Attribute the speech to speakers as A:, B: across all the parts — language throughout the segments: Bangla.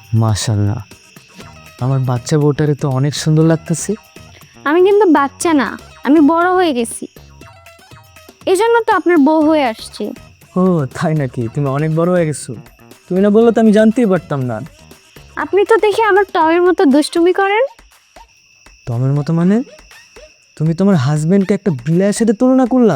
A: মাশাআল্লাহ, আমার বাচ্চা বউটারে তো অনেক সুন্দর লাগতেছে।
B: আমি কিন্তু বাচ্চা না, আমি বড় হয়ে গেছি, এই জন্য তো আপনার বউ হয়ে আসছি।
A: ও তাই নাকি? তুমি অনেক বড় হয়ে গেছো। তুমি না বললো তো আমি জানতেই পারতাম না।
B: আপনি তো দেখে আমার টমের মতো দুষ্টুমি করেন।
A: তোমার মতো মানে? তুমি তোমার হাজবেন্ডকে একটা বিলাইয়ের সাথে তুলনা করলা।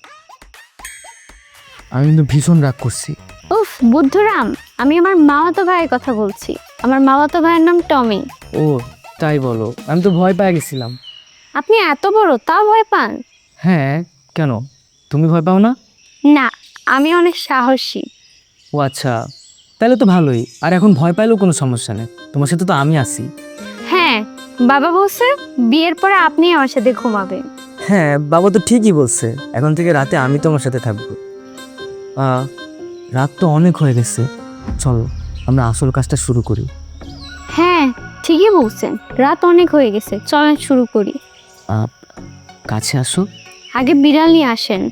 A: আমি কিন্তু ভীষণ রাগ করছি।
B: উফ বুদ্ধরাম, আমি আমার মামাতো ভাইয়ের কথা বলছি। আমার মামাতো ভাইয়ের নাম টমি।
A: ও তাই বলো? আমি তো ভয় পেয়ে গেছিলাম।
B: আপনি এত বড় তাও ভয় পান?
A: হ্যাঁ, কেন? তুমি ভয় পাও না?
B: না, আমি অনেক সাহসী।
A: ও আচ্ছা, তাহলে তো ভালোই। আর এখন ভয় পাইলেও কোনো সমস্যা নেই, তোমার সাথে তো আমি আছি।
B: হ্যাঁ, বাবা বলছে বিয়ের পরে আপনি আমার সাথে ঘুমাবেন।
A: হ্যাঁ, বাবা তো ঠিকই বলছে, এখন থেকে রাতে আমি তোমার সাথে থাকবো। রাত তো অনেক হয়ে গেছে, চলো আমরা আসল কাজটা শুরু করি।
B: হ্যাঁ ঠিকই বলছেন, রাত অনেক হয়ে গেছে, চলেন শুরু করি।
A: কাছে আসো।
B: আগে বিড়াল নিয়ে আসেন।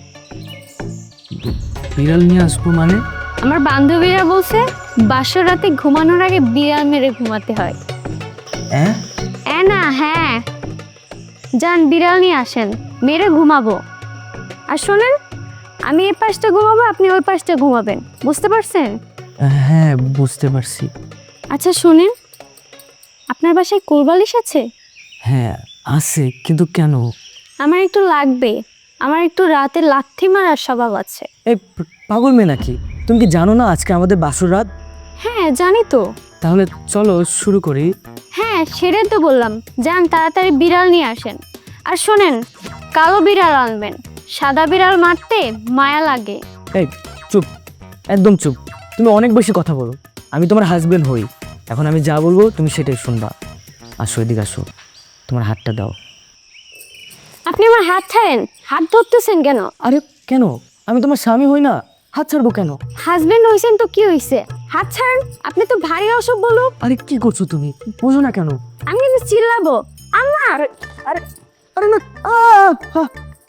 A: বিড়াল নিয়ে আসবো মানে?
B: আমার বান্ধবীরা বলছে বাসর রাতে ঘুমানোর আগে বিড়াল মেরে ঘুমাতে হয়।
A: হ্যাঁ
B: না হ্যাঁ, যান বিড়াল নিয়ে আসেন, মেরে ঘুমাবো। আর শোনেন, আমি এই পাশটা ঘুমাবো, আপনি ওই পাশটা ঘুমাবেন, বুঝতে পারছেন?
A: হ্যাঁ বুঝতে পারছি।
B: আচ্ছা শুনেন, আপনার বাসায় কোলবালিশ আছে?
A: হ্যাঁ আছে, কিন্তু কেন?
B: আমার একটু লাগবে, আমার একটু রাতে লাথি মারার স্বভাব আছে।
A: এই পাগল মেয়ে নাকি? তুমি কি জানো না আজকে আমাদের বাসর রাত?
B: হ্যাঁ জানি তো।
A: তাহলে চলো শুরু করি।
B: হ্যাঁ সেটাই তো বললাম, যান তাড়াতাড়ি বিড়াল নিয়ে আসেন। আর শোনেন, কালো বিড়াল আনবেন, সাদা বিড়াল মারতে মায়া লাগে।
A: এই চুপ, একদম চুপ। তুমি অনেক বেশি কথা বলো। আমি তোমার হাজবেন্ড হই, এখন আমি যা বলবো তুমি সেটাই শুনবা। আসো এদিকে আসো, তোমার হাতটা দাও।
B: আপনি আমার হাত ছাড়েন, হাত ধরতেছেন কেন?
A: আরে কেন? আমি তোমার স্বামী হই না, হাত ছাড়বো কেন?
B: হাজবেন্ড হইছেন তো কি হইছে, হাত ছাড়েন। আপনি তো ভারী অসভ্য লোক।
A: আরে কি করছো তুমি? বোঝো না কেন?
B: আমি কিন্তু চিল্লাবো। আমার
A: আরে আরে না, আহ!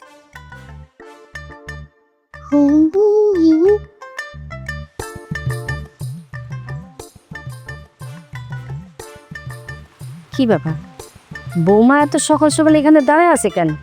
C: কি ব্যাপার, বৌমা এত সকাল সকাল এখানে দাঁড়ায় আছে কেন?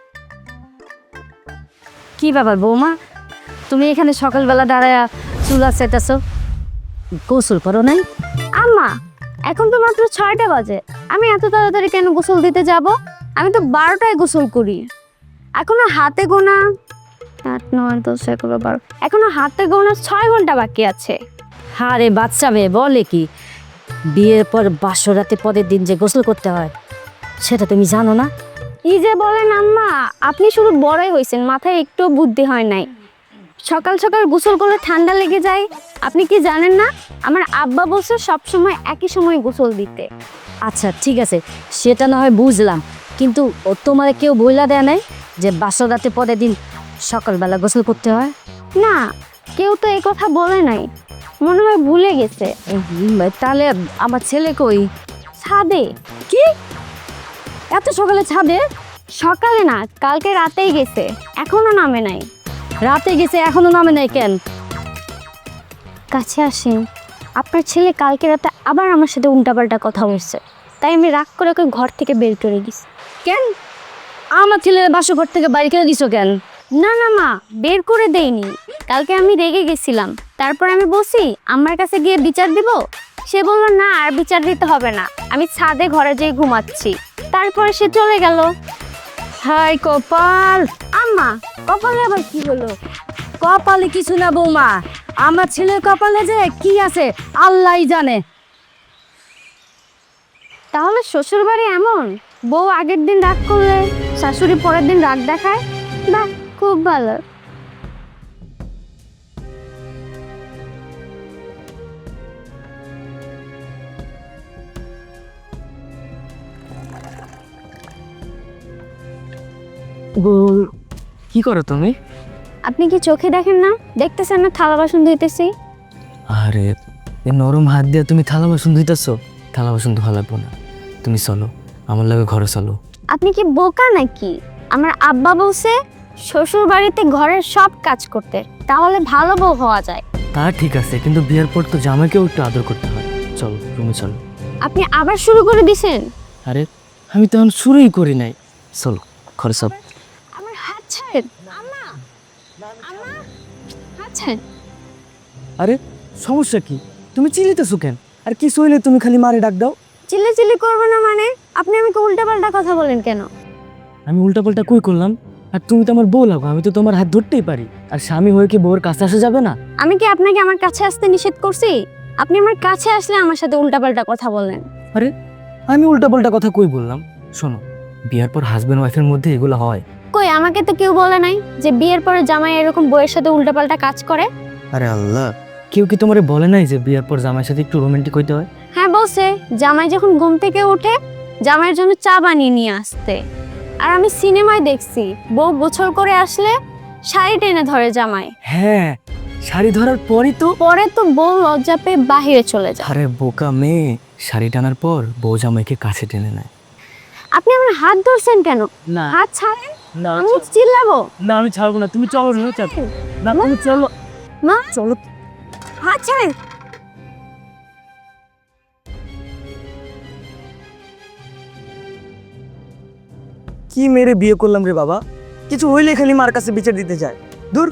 C: কি ব্যাপার বৌমা, তুমি এখানে সকালবেলা দাঁড়ায় চুলা সেটাছো, গোসল করো নাই?
B: আম্মা, এখন তো মাত্র 6টা বাজে, আমি এত তাড়াতাড়ি কেন গোসল দিতে যাব? আমি তো 12টায় গোসল করি। এখনো হাতে গোনা 8, 9, 10, 11, 12, এখনো হাতে গোনা 6 ঘন্টা বাকি আছে।
C: আরে বাচ্চা মেয়ে বলে কি, বিয়ের পর বাসর রাতে পরের দিন যে গোসল করতে হয় সেটা তুমি জানো না?
B: কি যে বলেন আম্মা, আপনি শুধু বড়ই হয়েছেন, মাথায় একটু বুদ্ধি হয় নাই। সকাল সকাল গোসল করলে ঠান্ডা লেগে যায়, আপনি কি জানেন না? আমার আব্বা বলছে সবসময় একই সময় গোসল দিতে।
C: আচ্ছা ঠিক আছে, সেটা না হয় বুঝলাম, কিন্তু ও তোমারে কেউ বইলা দেয় নাই যে বাসর রাতে পরের দিন সকালবেলা গোসল করতে হয়?
B: না, কেউ তো এই কথা বলে নাই, মনে হয় ভুলে গেছে।
C: তাহলে আমার ছেলে কই?
B: ছাদে।
C: কি, এত সকালে ছাদে?
B: সকালে না, কালকে রাতেই গেছে, এখনো নামে নাই।
C: রাতে গেছে এখনো নামে নাই কেন?
B: কাছে আসেন, আপনার ছেলে কালকে রাতে আবার আমার সাথে উল্টাপাল্টা কথা বলছে, তাই আমি রাগ করে ওকে ঘর থেকে বের করে দিছি।
C: কেন আমার ছেলের বাসঘর থেকে বাইরে করে দিছো কেন?
B: না না মা, বের করে দেইনি, কালকে আমি রেগে গেছিলাম, তারপর আমি বলছি আমার কাছে গিয়ে বিচার দিব। সে বলল না আর বিচার দিতে হবে না, আমি ছাদে ঘরে যেয়ে ঘুমাচ্ছি। তারপরে সে চলে গেল।
C: হাই কপাল!
B: আম্মা, কপালে আবার কি হলো?
C: কপালে কিছু না বৌমা, আমার ছেলের কপালে যে কি আছে আল্লাহই জানে।
B: তাহলে শ্বশুর বাড়ি এমন, বউ আগের দিন রাগ করলে শাশুড়ি পরের দিন রাগ দেখায়? বাহ, খুব ভালো।
A: কি করো তুমি?
B: আপনি কি চোখে দেখেন না? দেখতেছেন না থালা বাসন ধুইতেছি?
A: আরে এই নরম হাত দিয়ে তুমি থালা বাসন ধুইতেছো? থালা বাসন ধোয়া লাগবো না, তুমি চলো আমার লাগে ঘরে চলো।
B: আপনি কি বোকা নাকি? আমার আব্বা বলছে শ্বশুর বাড়িতে ঘরের সব কাজ করতে, তাহলে ভালো বউ হওয়া যায়।
A: তা ঠিক আছে, কিন্তু বিয়ের পর তো জামাইকেও একটু আদর করতে হয়। চল রুমে চল।
B: আপনি আবার শুরু করে দিছেন।
A: আরে আমি তো এখন শুরুই করি নাই, চল ঘরে সব।
B: আমার হাত ছাড়েন। আম্মা, আম্মা, হাত ছাড়েন।
A: আরে সমস্যা কি? তুমি চিল্লিতেছো কেন? আর কি সইলে তুমি খালি মারে ডাক দাও?
B: চিল্লি করবো না মানে? আপনি আমাকে উল্টাপাল্টা কথা বলেন কেন?
A: আমি উল্টাপাল্টা কই করলাম? আর তুমি তো আমার বউ লাগো, আমি তো তোমার হাত ধরতেই পারি। আর স্বামী হয়ে কি বউয়ের কাছে আসা যাবে না?
B: আমি কি আপনাকে আমার কাছে আসতে নিষেধ করছি? আপনি আমার কাছে আসলে আমার সাথে উল্টাপাল্টা কথা বলেন।
A: আরে আমি উল্টাপাল্টা কথা কই বললাম? শোনো, বিয়ার পর হাজবেন্ড ওয়াইফের মধ্যে এগুলো হয়।
B: কই, আমাকে তো কেউ বলে নাই যে বিয়ের পরে জামাই এরকম বউয়ের সাথে উল্টাপাল্টা কাজ করে।
A: আরে আল্লাহ, কেউ কি তোমারে বলে নাই যে বিয়ার পর জামাইয়ের সাথে একটু রোমান্টিক হইতে হয়?
B: হ্যাঁ বলছে, জামাই যখন ঘুম থেকে ওঠে জামাইয়ের জন্য চা বানিয়ে নিয়ে আসতে। আর আমি সিনেমায় দেখছি বউ গোসল করে আসলে শাড়ি টেনে ধরে জামাই,
A: হ্যাঁ, শাড়ি ধরার পরই তো।
B: পরে তো বউ লজ্জা পেয়ে বাহিরে চলে যায়।
A: আরে বোকা মেয়ে, শাড়ি টানার পর বউ জামাইকে কাছে টেনে নেয়।
B: আপনি আমার হাত ধরছেন কেন?
A: না
B: হাত ছাড়েন,
A: না
B: আমি চিল্লাবো।
A: না, আমি ছাড়বো না, তুমি চলো না, না তুমি চলো।
B: মা,
A: চলো।
B: হাত ছাড়েন।
A: কি মেরে বিয়ে করলাম রে বাবা, কিছু হইলে খালি মার কাছে বিচার দিতে যায়। দূর।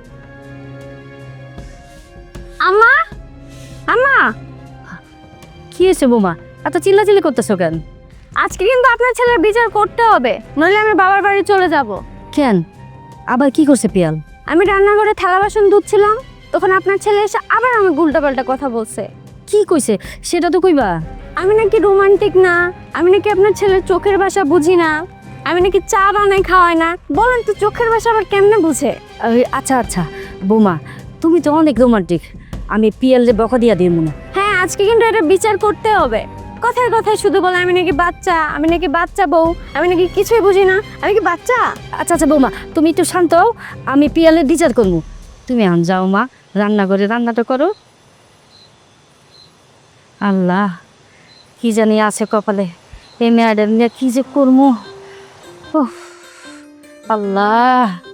B: আম্মা, আম্মা,
C: কি হয়েছে বৌমা, এত চিল্লাচিল্লি করতেছো কেন?
B: আজকে কিন্তু আপনার ছেলের বিচার করতে হবে, নইলে আমি বাবার বাড়ি চলে যাব।
C: কেন, আবার কি করছে পিয়াল?
B: আমি রান্নাঘরে থালা বাসন ধুচ্ছিলাম, তখন আপনার ছেলে এসে আবার আমি উল্টাপাল্টা কথা বলছে।
C: কি কইছে সেটা তো কইবা।
B: আমি নাকি রোমান্টিক না, আমি নাকি আপনার ছেলের চোখের ভাষা বুঝি না, আমি নাকি চা বানাই খাওয়াই না। বলেন তো চোখের ভাষা আবার কেমনে বুঝে?
C: আচ্ছা আচ্ছা বৌমা, তুমি তো অনেক রোমান্টিক, আমি পিয়ালে বকা দিয়া দিব না।
B: হ্যাঁ, আজকে কিন্তু এটা বিচার করতে হবে। কথায় কথায় শুধু বলে আমি নাকি বাচ্চা, আমি নাকি বাচ্চা বউ, আমি নাকি কিছুই বুঝি না। আমি কি বাচ্চা?
C: আচ্ছা আচ্ছা বৌমা, তুমি একটু শান্ত হও, আমি পিয়ালের বিচার করবো। তুমি আন যাও মা, রান্নাঘরে রান্নাটা করো। আল্লাহ, কি জানি আছে কপালে, এই মেয়েদের নিয়ে কি যে করবো। উফ, আল্লাহ।